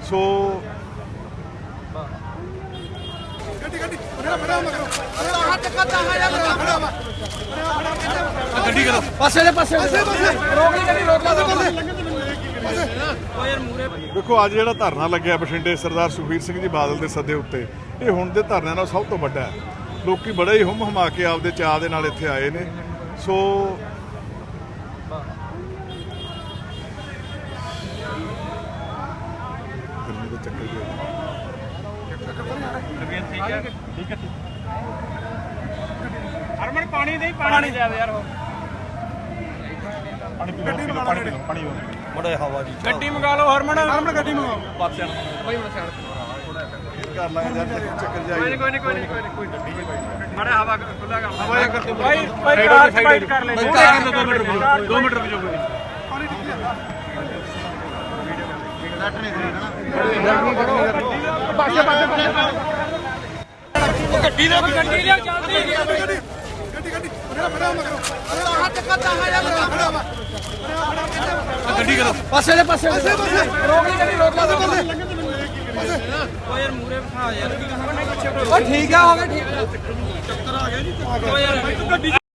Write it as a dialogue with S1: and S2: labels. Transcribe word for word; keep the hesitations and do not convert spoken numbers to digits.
S1: ਸੋ
S2: ਗੱਡੀ ਕਰੋ ਪਾਸੇ ਦੇ ਪਾਸੇ ਰੋਕ ਲਈ ਗੱਡੀ ਰੋਕ ਲਾ
S1: ਦੇਖੋ ਅੱਜ ਜਿਹੜਾ ਧਰਨਾ ਲੱਗਿਆ ਬਠਿੰਡੇ ਸਰਦਾਰ ਸੁਖਬੀਰ ਸਿੰਘ ਜੀ ਬਾਦਲ ਦੇ ਸੱਦੇ ਉੱਤੇ, ਇਹ ਹੁਣ ਦੇ ਧਰਨਿਆਂ ਨਾਲ ਸਭ ਤੋਂ ਵੱਡਾ ਹੈ। ਲੋਕੀ ਬੜੇ ਹੀ ਹੁੰਮ ਹਮਾ ਕੇ ਆਪਦੇ ਚਾਅ ਦੇ ਨਾਲ ਇੱਥੇ ਆਏ ਨੇ। ਸੋ ਗਰਮੀ ਦੇ ਚੱਕਰ ਜੀ
S2: ਠੀਕ ਹੈ ਹਰਮਨ ਪਾਣੀ ਦੇ ਪਾਣੀ ਜਾਵੇ ਯਾਰ ਉਹ ਪਾਣੀ ਪੀ ਲਓ ਪਾਣੀ ਪੀ ਲਓ ਪਾਣੀ ਬੜਾ ਹਵਾ ਜੀ ਗੱਡੀ ਮੰਗਾ ਲਓ ਹਰਮਨ ਹਰਮਨ ਗੱਡੀ ਮੰਗਾਓ ਪਾਸੇ ਬਈ ਹੁਣ ਸਾਈਡ
S1: ਕਰ ਲਾਂਗੇ ਯਾਰ ਚੱਕਰ ਜਾਈ
S2: ਕੋਈ ਨਹੀਂ ਕੋਈ ਨਹੀਂ ਕੋਈ ਨਹੀਂ ਕੋਈ ਗੱਡੀ ਨਹੀਂ ਮਾੜਾ ਹਵਾ ਖੁੱਲਾ ਕਰ ਹਵਾ ਕਰ ਭਾਈ ਭਾਈ ਕਾਰ ਸਾਈਡ ਕਰ ਲੈ ਦੋ ਮਿੰਟ ਰੁਕੋ ਦੋ ਮਿੰਟ ਰੁਕੋ ਕੋਈ ਪਾਣੀ ਨੱਟ ਨਹੀਂ ਦੇਣਾ ਪਾਸੇ ਪਾਸੇ ਗੱਡੀ ਦੇ ਗੱਡੀ ਲਿਆ ਚੱਲਦੀ ਗੱਡੀ ਗੱਡੀ ਫੜਾ ਮਗਰੋਂ ਹੱਥ ਕੱਟਾ ਹੈ ਯਾਰ ਫੜਾ ਵਾ ਗੱਡੀ ਕਰੋ ਪਾਸੇ ਦੇ ਪਾਸੇ ਰੋਕ ਲਈ ਗੱਡੀ ਰੋਕ ਲਾ ਓ ਯਾਰ ਮੂਰੇ ਬਿਠਾ ਯਾਰ ਓ ਠੀਕ ਆ ਹੋ ਗਿਆ ਠੀਕ ਚੱਕਰ ਆ ਗਿਆ ਜੀ ਓ ਯਾਰ ਗੱਡੀ